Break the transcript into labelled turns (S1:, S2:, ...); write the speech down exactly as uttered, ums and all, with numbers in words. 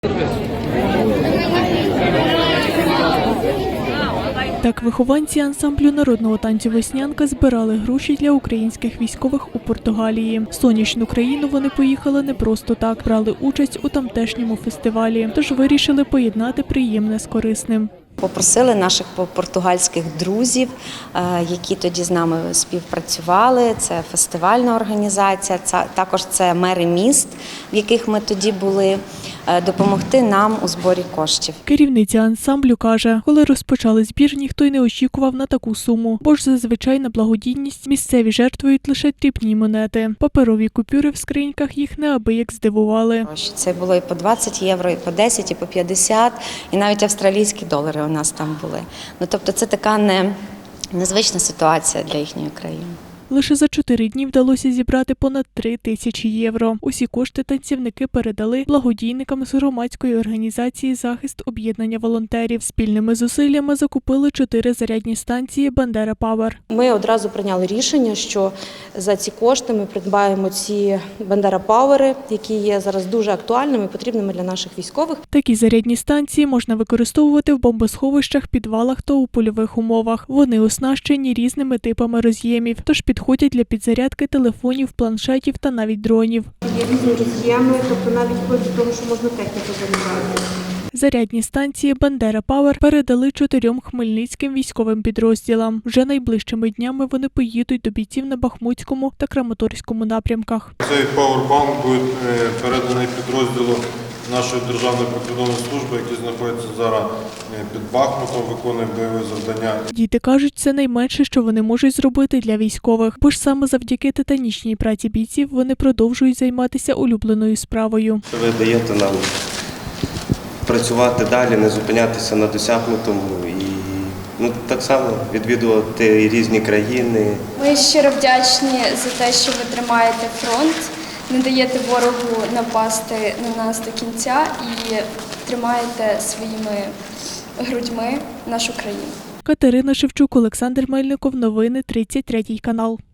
S1: Так, вихованці ансамблю народного танцю «Веснянка» збирали гроші для українських військових у Португалії. В сонячну країну вони поїхали не просто так, брали участь у тамтешньому фестивалі, тож вирішили поєднати приємне з корисним.
S2: Попросили наших португальських друзів, які тоді з нами співпрацювали. Це фестивальна організація, також це мери міст, в яких ми тоді були, допомогти нам у зборі коштів.
S1: Керівниця ансамблю каже, коли розпочали збір, ніхто й не очікував на таку суму, бо ж зазвичай на благодійність місцеві жертвують лише дрібні монети. Паперові купюри в скриньках їх неабияк здивували.
S2: Це було і по двадцять євро, і по десять, і по п'ятдесят, і навіть австралійські долари у нас там були. Ну, тобто це така не, незвична ситуація для їхньої країни.
S1: Лише за чотири дні вдалося зібрати понад три тисячі євро. Усі кошти танцівники передали благодійникам з громадської організації «Захист об'єднання волонтерів». Спільними зусиллями закупили чотири зарядні станції «Бандера Пауер».
S3: Ми одразу прийняли рішення, що за ці кошти ми придбаємо ці «Бандера Пауери», які є зараз дуже актуальними і потрібними для наших військових.
S1: Такі зарядні станції можна використовувати в бомбосховищах, підвалах та у польових умовах. Вони оснащені різними типами роз'ємів, тож підходять для підзарядки телефонів, планшетів та навіть дронів.
S3: Є різні роз'єми, тобто навіть вплоть до того, що можна техніку заряджати.
S1: Зарядні станції «Бандера Пауер» передали чотирьом хмельницьким військовим підрозділам. Вже найближчими днями вони поїдуть до бійців на Бахмутському та Краматорському напрямках.
S4: Цей пауербанк буде переданий підрозділу нашої Державної прикордонної служби, який знаходиться зараз під Бахмутом, виконує бойові завдання.
S1: Діти кажуть, це найменше, що вони можуть зробити для військових, бо ж саме завдяки титанічній праці бійців вони продовжують займатися улюбленою справою.
S5: Ви даєте нам працювати далі, не зупинятися на досягнутому і ну, так само відвідувати різні країни.
S6: Ми щиро вдячні за те, що ви тримаєте фронт, не даєте ворогу напасти на нас до кінця і тримаєте своїми грудьми нашу країну.
S1: Катерина Шевчук, Олександр Мельников. Новини тридцять третій канал.